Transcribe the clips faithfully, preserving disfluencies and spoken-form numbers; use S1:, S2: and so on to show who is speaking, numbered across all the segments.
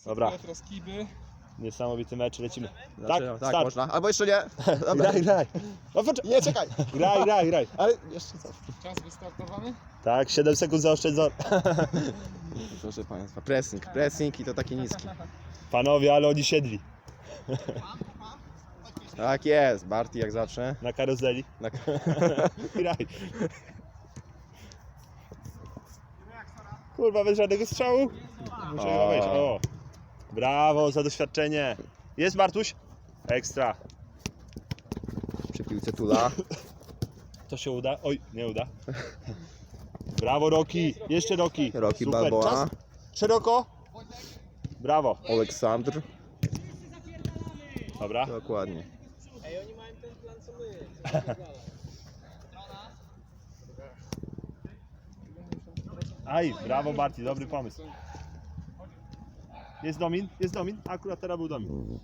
S1: Dobra.
S2: Teraz kiby.
S1: Niesamowity mecz, lecimy.
S3: Znaczy,
S1: tak,
S3: tak
S1: start.
S3: można. Albo jeszcze nie. Dobra.
S1: Graj, graj. No, poczekaj.
S3: Nie, czekaj.
S1: Graj, graj, graj.
S3: Ale jeszcze co?
S2: Czas wystartowany.
S1: Tak, siedem sekund zaoszczędzony.
S3: Proszę Państwa, pressing, pressing i to taki niski.
S1: Panowie, ale oni siedli
S3: Tak jest, Barty jak zawsze.
S1: na karuzeli.
S3: Na...
S1: Graj. Kurwa, bez żadnego strzału. Muszę chyba wejść. O. Brawo za doświadczenie. Jest Bartuś? Ekstra.
S3: Przy piłce Tula.
S1: To się uda? Oj, nie uda. Brawo Roki. Jeszcze Roki.
S3: Roki
S1: Super.
S3: Balboa.
S1: Czas. Szeroko. Brawo.
S3: Aleksandr.
S1: Dobra.
S3: Dokładnie.
S2: Ej, oni mają ten plan co my.
S1: Aj, brawo Barti, dobry pomysł. Jest Domin? Jest Domin? Akurat teraz był Domin.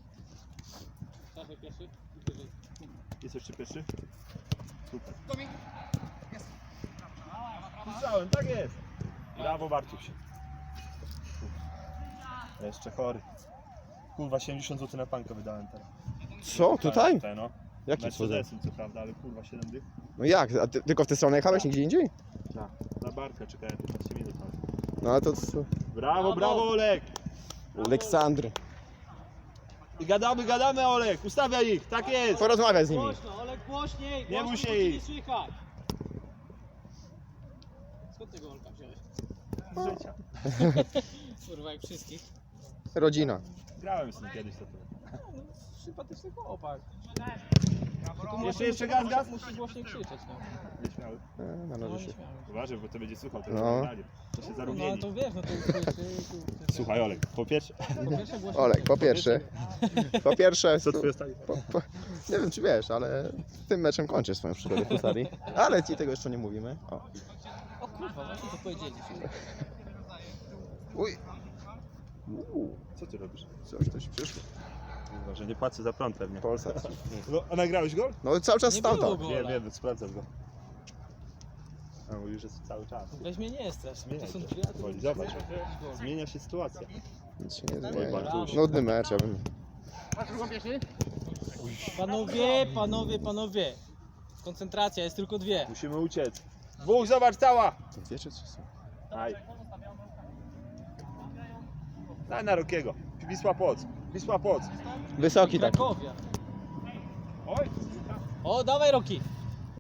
S1: Jest jeszcze pierwszy? Super. Domin! Jest! Słyszałem, tak jest! Brawo Bartuś. Jeszcze chory. Kurwa, siedemdziesiąt złotych na pankę wydałem teraz.
S3: Co? Tutaj?
S1: Tutaj, no.
S3: Jaki cudem?
S1: Mercedesem co prawda, ale kurwa siedem dych.
S3: No jak? A ty, tylko w tę stronę jechałeś, nigdzie indziej?
S1: Tak. Na Bartka czekałem piętnaście minut.
S3: No ale to co?
S1: Brawo, brawo Olek!
S3: Aleksandr.
S1: I gadamy, gadamy Olek, ustawiaj ich, tak jest!
S3: Porozmawiaj z nimi.
S2: Głośno, Olek, głośniej!
S1: Nie
S2: głośniej,
S1: musi
S2: bo cię
S1: ich.
S2: nie słychać. Skąd tego Olka wziąłeś?
S1: Z życia.
S2: Kurwa, jak wszystkich.
S3: Rodzina.
S1: Grałem z nim kiedyś to.
S2: No, sympatyczny chłopak.
S1: Jeszcze, jeszcze gaz, gaz?
S2: Musi głośniej krzyczeć, no.
S1: Nieśmiały.
S3: E,
S2: No,
S3: należy
S2: nie
S3: się.
S2: śmiałem.
S1: Uważaj, bo to będzie słuchał
S3: No.
S1: tego nagrania. To się
S2: No, ale
S1: zarumieni.
S2: to wiesz, no to usłyszy.
S1: Słuchaj Olek, po pierwsze,
S2: Po pierwsze głośniej
S3: Olek, po pierwsze. Po pierwsze.
S1: co twój ostatni?
S3: Po, po, nie wiem czy wiesz, ale tym meczem kończę swoją przygodę w Husarii. Ale ci tego jeszcze nie mówimy. O.
S2: O kurwa, właśnie to powiedzieliśmy.
S3: Uj. Uuu,
S1: Co ty robisz?
S3: coś coś przyszło.
S1: Kurwa, że nie płacę za prąd pewnie.
S3: Polsat.
S1: No, a nagrałeś gol?
S3: No cały czas
S2: Nie
S3: stał
S2: było
S3: tam.
S2: go.
S1: Wiem, wiem, sprawdzam go. A mówisz, że jest cały czas.
S2: Weź mnie nie strasz.
S1: Zmienia
S2: To są
S1: się.
S2: drzwi, a tu
S1: Powoli, zobacz. Zmienia się sytuacja.
S3: Nic się nie
S1: Oj,
S3: zmienia.
S1: Bartuś.
S3: Nudny mecz, ja bym...
S2: Panowie, panowie, panowie. Koncentracja, jest tylko dwie.
S1: Musimy uciec. Dwóch, zobacz, cała!
S3: To dwie czy trzy są?
S1: Aj. Daj na Rokiego. Wisła Płock. Wisła Płock.
S3: Wysoki taki.
S2: Krakowia.
S1: Oj!
S2: O, dawaj Roki.